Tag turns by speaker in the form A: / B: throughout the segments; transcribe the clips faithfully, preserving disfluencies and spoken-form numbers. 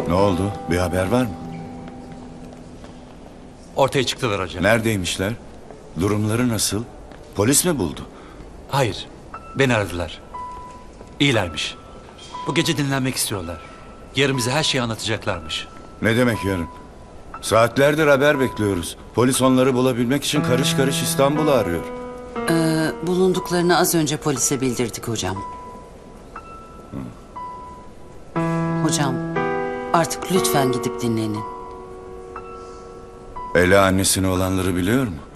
A: Ne oldu? Bir haber var mı?
B: Ortaya çıktılar hocam.
A: Neredeymişler? Durumları nasıl? Polis mi buldu?
B: Hayır, beni aradılar. İyilermiş. Bu gece dinlenmek istiyorlar. Yarın bize her şeyi anlatacaklarmış.
A: Ne demek yarın? Saatlerdir haber bekliyoruz. Polis onları bulabilmek için karış karış İstanbul'u arıyor.
C: Ee, bulunduklarını az önce polise bildirdik hocam. Hocam, artık lütfen gidip dinlenin.
A: Ela annesine olanları biliyor mu?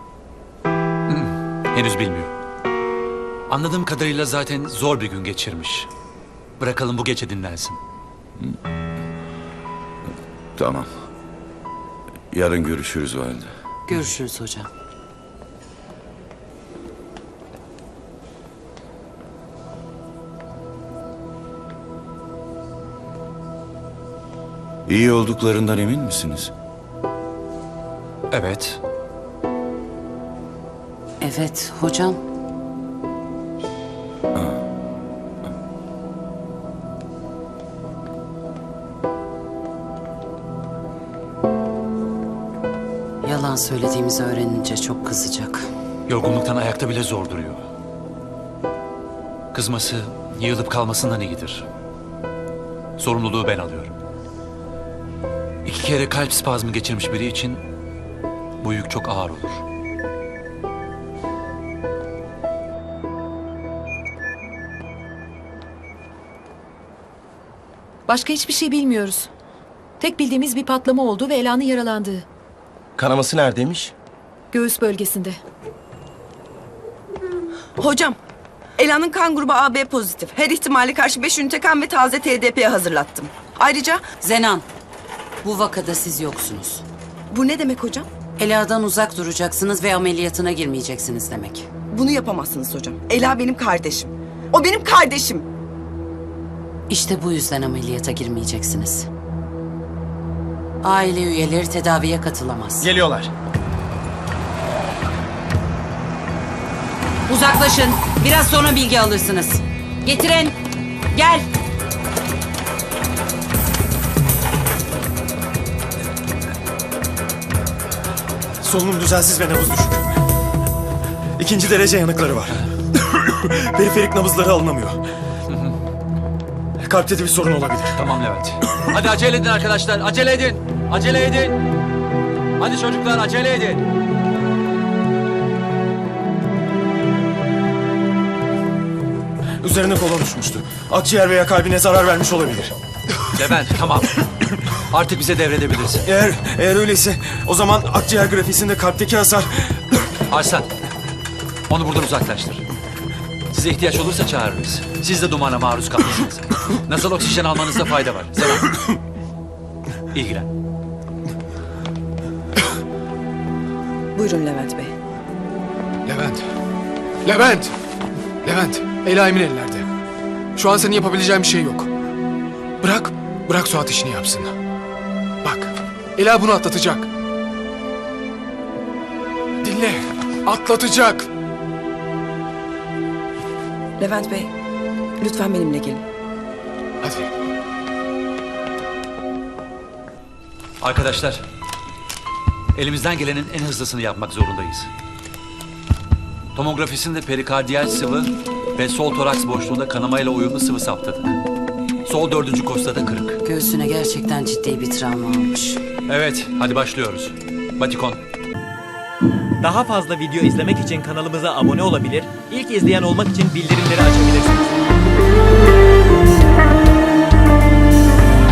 B: Henüz bilmiyor. Anladığım kadarıyla zaten zor bir gün geçirmiş. Bırakalım bu gece dinlensin.
A: Tamam. Yarın görüşürüz o halde.
C: Görüşürüz hocam.
A: İyi olduklarından emin misiniz?
B: Evet.
C: Evet hocam. Yalan söylediğimizi öğrenince çok kızacak.
B: Yorgunluktan ayakta bile zor duruyor. Kızması, yığılıp kalmasından iyidir. Sorumluluğu ben alıyorum. İki kere kalp spazmı geçirmiş biri için bu yük çok ağır olur.
D: Başka hiçbir şey bilmiyoruz. Tek bildiğimiz bir patlama oldu ve Ela'nın yaralandığı.
E: Kanaması neredeymiş?
D: Göğüs bölgesinde.
F: Hocam, Ela'nın kan grubu A B pozitif. Her ihtimale karşı beş ünite kan ve taze T D P hazırlattım. Ayrıca
C: Zenan, bu vakada siz yoksunuz.
F: bu ne demek hocam?
C: Ela'dan uzak duracaksınız ve ameliyatına girmeyeceksiniz demek.
F: Bunu yapamazsınız hocam. Ela benim kardeşim. O benim kardeşim.
C: İşte bu yüzden ameliyata girmeyeceksiniz. Aile üyeleri tedaviye katılamaz.
E: Geliyorlar.
C: Uzaklaşın. Biraz sonra bilgi alırsınız. Getirin. Gel.
E: Solunum düzensiz ve nabız düşük. İkinci derece yanıkları var. Periferik nabızları alınamıyor. Kalpte de bir sorun olabilir.
B: Tamam Levent. Hadi acele edin arkadaşlar, acele edin. Acele edin. Hadi çocuklar acele edin.
E: Üzerine kolon uçmuştu. Akciğer veya kalbine zarar vermiş olabilir.
B: Levent tamam. Artık bize devredebilirsin.
E: Eğer eğer öyleyse o zaman akciğer grafisinde kalpteki hasar...
B: Arslan, onu buradan uzaklaştır. Size ihtiyaç olursa çağırırız. Siz de dumana maruz kalmışsınız. Nasıl oksijen almanızda fayda var. Selam. İlgilen.
F: Buyurun Levent Bey.
G: Levent. Levent. Levent. Ela emin ellerde. Şu an senin yapabileceğin bir şey yok. Bırak. Bırak Suat işini yapsın. Bak. Ela bunu atlatacak. Dinle. Atlatacak.
F: Levent Bey, lütfen benimle gelin.
G: Hadi.
B: Arkadaşlar, elimizden gelenin en hızlısını yapmak zorundayız. Tomografisinde perikardiyal sıvı ve sol toraks boşluğunda kanamayla uyumlu sıvı saptadık. Sol dördüncü kostada kırık.
C: Göğsüne gerçekten ciddi bir travma almış.
B: Evet, hadi başlıyoruz. Batikon.
H: Daha fazla video izlemek için kanalımıza abone olabilir, ilk izleyen olmak için bildirimleri açabilirsiniz.